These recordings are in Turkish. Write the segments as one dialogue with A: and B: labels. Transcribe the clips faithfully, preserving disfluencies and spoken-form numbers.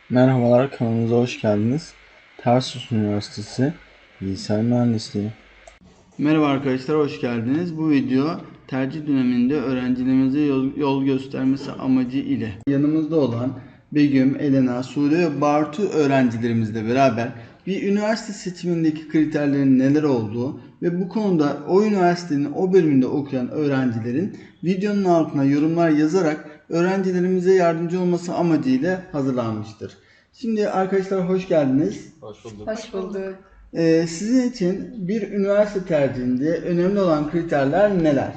A: Merhabalar, kanalımıza hoş geldiniz. Tarsus Üniversitesi Bilgisayar Mühendisliği. Merhaba arkadaşlar, hoş geldiniz. Bu video tercih döneminde öğrencilerimize yol, yol göstermesi amacı ile yanımızda olan Begüm, Elena, Sude ve Bartu öğrencilerimizle beraber bir üniversite seçimindeki kriterlerin neler olduğu ve bu konuda o üniversitenin o bölümünde okuyan öğrencilerin videonun altına yorumlar yazarak öğrencilerimize yardımcı olması amacıyla hazırlanmıştır. Şimdi arkadaşlar hoş geldiniz.
B: Hoş bulduk.
C: Hoş bulduk.
A: Ee, sizin için bir üniversite tercihinde önemli olan kriterler neler?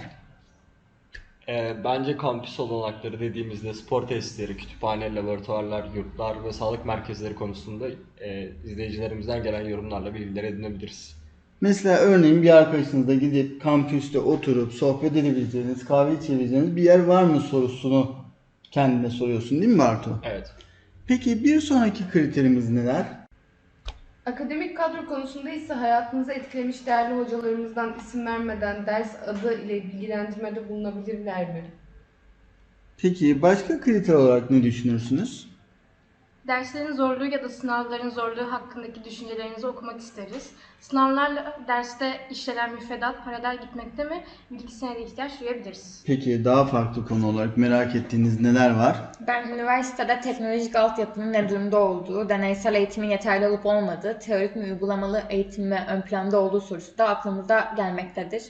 B: Ee, bence kampüs olanakları dediğimizde spor tesisleri, kütüphane, laboratuvarlar, yurtlar ve sağlık merkezleri konusunda e, izleyicilerimizden gelen yorumlarla bilgiler edinebiliriz.
A: Mesela örneğin bir arkadaşınızla gidip kampüste oturup sohbet edebileceğiniz, kahve içebileceğiniz bir yer var mı sorusunu kendine soruyorsun değil mi Bartu?
B: Evet.
A: Peki bir sonraki kriterimiz neler?
C: Akademik kadro konusunda ise hayatınızı etkilemiş değerli hocalarımızdan isim vermeden ders adı ile bilgilendirmede bulunabilirler mi?
A: Peki başka kriter olarak ne düşünürsünüz?
D: Derslerin zorluğu ya da sınavların zorluğu hakkındaki düşüncelerinizi okumak isteriz. Sınavlarla derste işlenen müfredat paralel gitmekte mi? Bilgisine de ihtiyaç duyabiliriz.
A: Peki daha farklı konu olarak merak ettiğiniz neler var?
E: Ben üniversitede teknolojik altyapının ne durumda olduğu, deneysel eğitimin yeterli olup olmadığı, teorik mi uygulamalı eğitim mi ön planda olduğu sorusu da aklımıza gelmektedir.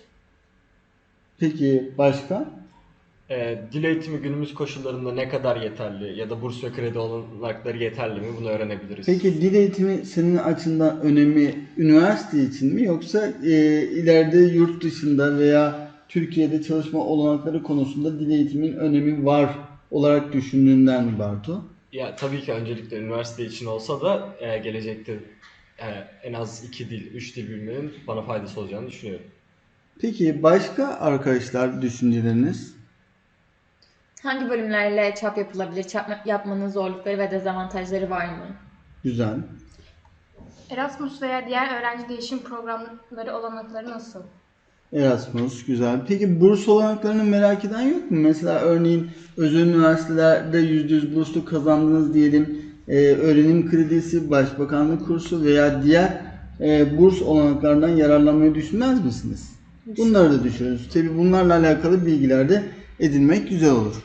A: Peki başka?
B: Ee, dil eğitimi günümüz koşullarında ne kadar yeterli ya da burs ve kredi olanakları yeterli mi? Bunu öğrenebiliriz.
A: Peki dil eğitimi senin açından önemi üniversite için mi yoksa e, ileride yurt dışında veya Türkiye'de çalışma olanakları konusunda dil eğitimin önemi var olarak düşündüğünden mi Bartu?
B: Ya tabii ki öncelikle üniversite için olsa da e, gelecekte e, en az iki dil, üç dil bilmenin bana faydası olacağını düşünüyorum.
A: Peki başka arkadaşlar düşünceleriniz?
E: Hangi bölümlerle çap yapılabilir, çap yapmanın zorlukları ve dezavantajları var mı?
A: Güzel.
D: Erasmus veya diğer öğrenci değişim programları olanakları nasıl?
A: Erasmus güzel. Peki burs olanaklarını merak eden yok mu? Mesela örneğin özel üniversitelerde yüzde yüz burslu kazandınız diyelim. Ee, öğrenim kredisi, başbakanlık kursu veya diğer e, burs olanaklarından yararlanmayı düşünmez misiniz? Bunları da düşünürüz. Tabii bunlarla alakalı bilgiler de edinmek güzel olur.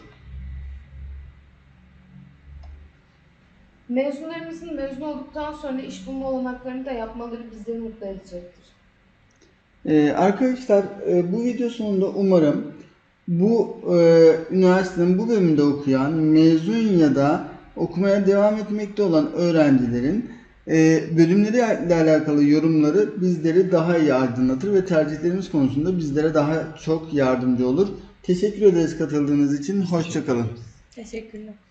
C: Mezunlarımızın mezun olduktan sonra iş bulma olanaklarını da yapmaları bizleri mutlu edecektir.
A: Ee, arkadaşlar e, bu video sonunda umarım bu e, üniversitenin bu bölümünde okuyan mezun ya da okumaya devam etmekte olan öğrencilerin e, bölümleriyle alakalı yorumları bizleri daha iyi aydınlatır ve tercihlerimiz konusunda bizlere daha çok yardımcı olur. Teşekkür ederiz katıldığınız için. Hoşça kalın.
E: Teşekkürler.